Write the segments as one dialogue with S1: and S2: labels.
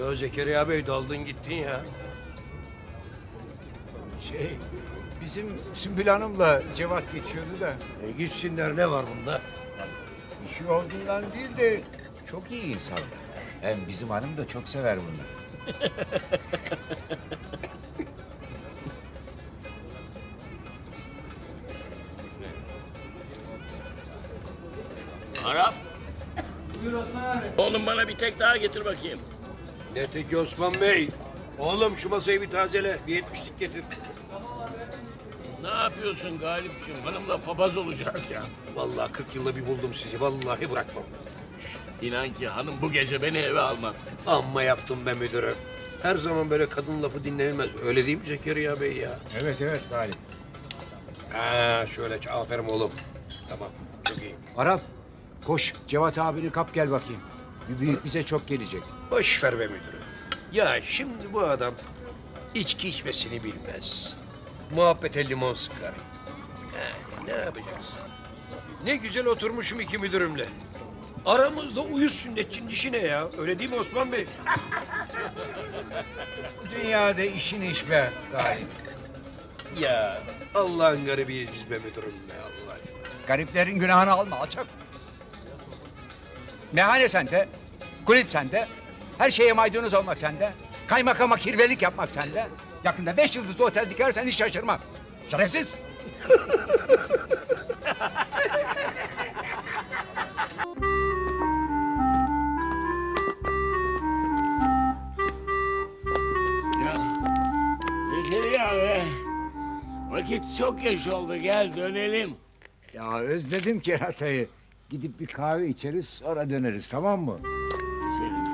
S1: Ya Zekeriya Bey daldın gittin ya.
S2: Bizim Sümbül Hanım'la Cevat geçiyordu da
S1: Gitsinler, ne var bunda?
S2: bir şey olduğundan değil de çok iyi insanlar. Hem bizim hanım da çok sever bunları.
S3: Arap. Buyur Osman abi. Oğlum bana bir tek daha getir bakayım.
S1: Ne teki Osman Bey? Oğlum şu masayı bir tazele, bir 70'lik getir.
S3: Ne yapıyorsun Galipciğim? Hanımla papaz olacağız ya.
S1: Vallahi 40 yılda bir buldum sizi, vallahi bırakmam.
S3: İnan ki hanım bu gece beni eve almaz.
S1: Amma yaptım be müdürüm. Her zaman böyle kadın lafı dinlenilmez. Öyle değil mi Zekeriya Bey ya?
S2: Evet Galip.
S1: Ha, şöyle, aferin oğlum. Tamam, çok iyi.
S2: Arap koş Cevat abini kap gel bakayım. Bir büyük bize çok gelecek.
S1: Boş ver be müdürüm. Ya şimdi bu adam içki içmesini bilmez. Muhabbete limon sıkar. Yani ne yapacaksın? Ne güzel oturmuşum iki müdürümle. Aramızda uyuz sünnetçinin işi ne ya? Öyle değil mi Osman Bey?
S2: Dünyada işin iş be Galip.
S1: Ya Allah'ın garibiyiz biz be müdürüm be Allah.
S2: Gariplerin günahını alma alçak. Meyhane sende, kulüp sende, her şeye maydanoz olmak sende, kaymakama kirvelik yapmak sende. Yakında 5 yıldızlı otel dikersen hiç şaşırmam. Şerefsiz.
S3: Ya Zekeriya be. Vakit çok geç oldu, gel dönelim.
S2: Ya özledim keratayı. Gidip bir kahve içeriz sonra döneriz tamam mı?
S3: Senin.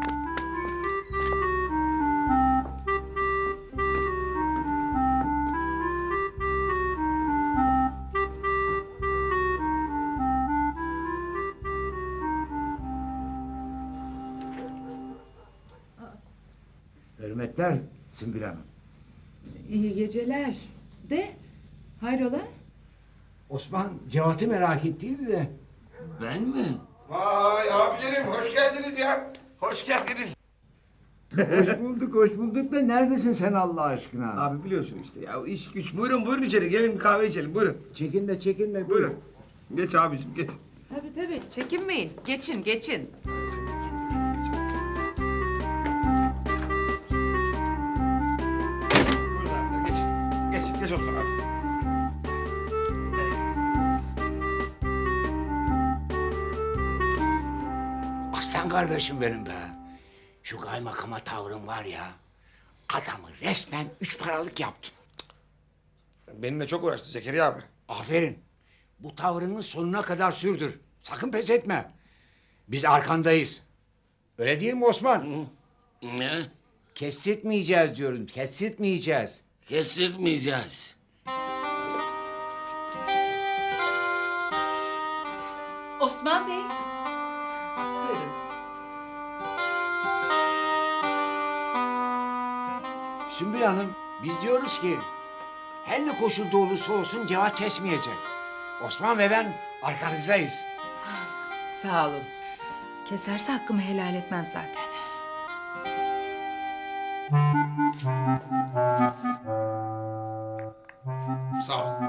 S2: Hürmetler Sümbül Hanım.
S4: İyi geceler. De, hayrola?
S2: Osman Cevat'ı merak ettiydi de.
S3: Ben mi?
S1: Vay abilerim, hoş geldiniz ya. Hoş geldiniz.
S2: Hoş bulduk da neredesin sen Allah aşkına?
S5: Abi biliyorsun işte ya iş güç. Buyurun içeri gelin bir kahve içelim buyurun.
S2: Çekinme
S5: Buyurun. Geç abicim geç.
S4: Tabii, çekinmeyin. Geçin.
S5: Buyurun abi geç. Geç olsun abi.
S2: Aslan kardeşim benim be. Şu kaymakama tavrın var ya. Adamı resmen 3 paralık yaptın.
S5: Benimle çok uğraştı Zekeriya abi.
S2: Aferin. Bu tavrını sonuna kadar sürdür. Sakın pes etme. Biz arkandayız. Öyle değil mi Osman?
S3: Ne?
S2: Kestirtmeyeceğiz diyorum. Kestirtmeyeceğiz.
S3: Kestirmeyeceğiz.
S4: Osman Bey. Buyurun.
S2: Sümbül Hanım, biz diyoruz ki her ne koşulda olursa olsun Cevat kesmeyecek. Osman ve ben arkanızdayız.
S4: Sağ olun. Keserse hakkımı helal etmem zaten.
S5: Sağ ol.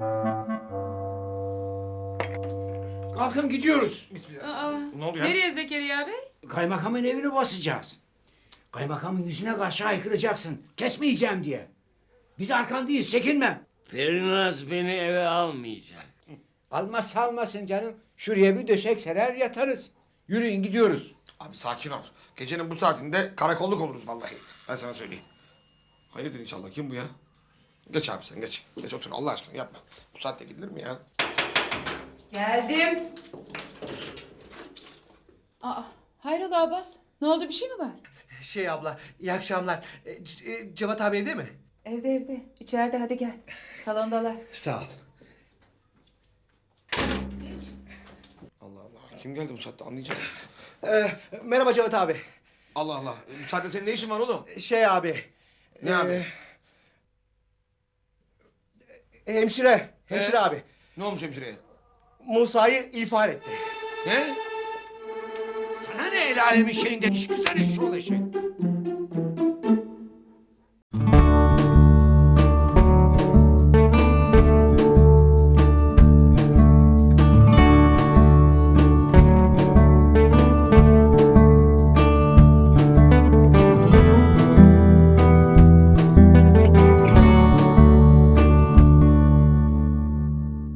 S2: Kalkın gidiyoruz.
S5: Ne oldu ya?
S4: Nereye Zekeriya Bey?
S2: Kaymakamın evini basacağız. Kaymakamın yüzüne karşı haykıracaksın. Kesmeyeceğim diye. Biz arkandayız, çekinme.
S3: Perinaz beni eve almayacak.
S2: Almazsa almasın canım. Şuraya bir döşek serer yatarız. Yürüyün gidiyoruz.
S5: Abi sakin ol. Gecenin bu saatinde karakolluk oluruz vallahi. Ben sana söyleyeyim. Hayırdır inşallah kim bu ya? Geç abi sen geç. Geç otur Allah aşkına yapma. Bu saatte gidilir mi ya?
S4: Geldim. Hayrola Abbas? Ne oldu, bir şey mi var?
S6: Abla, iyi akşamlar. Cevat abi evde mi?
S4: Evde. İçeride, hadi gel. Salondalar.
S6: Sağ ol.
S5: Allah Allah. Kim geldi bu saatte anlayacağız.
S6: Merhaba Cevat abi.
S5: Allah Allah. Bu saatte senin ne işin var oğlum?
S6: Abi.
S5: Ne abi?
S6: Hemşire abi.
S5: Ne olmuş hemşireye?
S6: Musa'yı ifade etti.
S5: Ne?
S2: Sana ne el alemin şeyinde iş güzel iş şu eşek.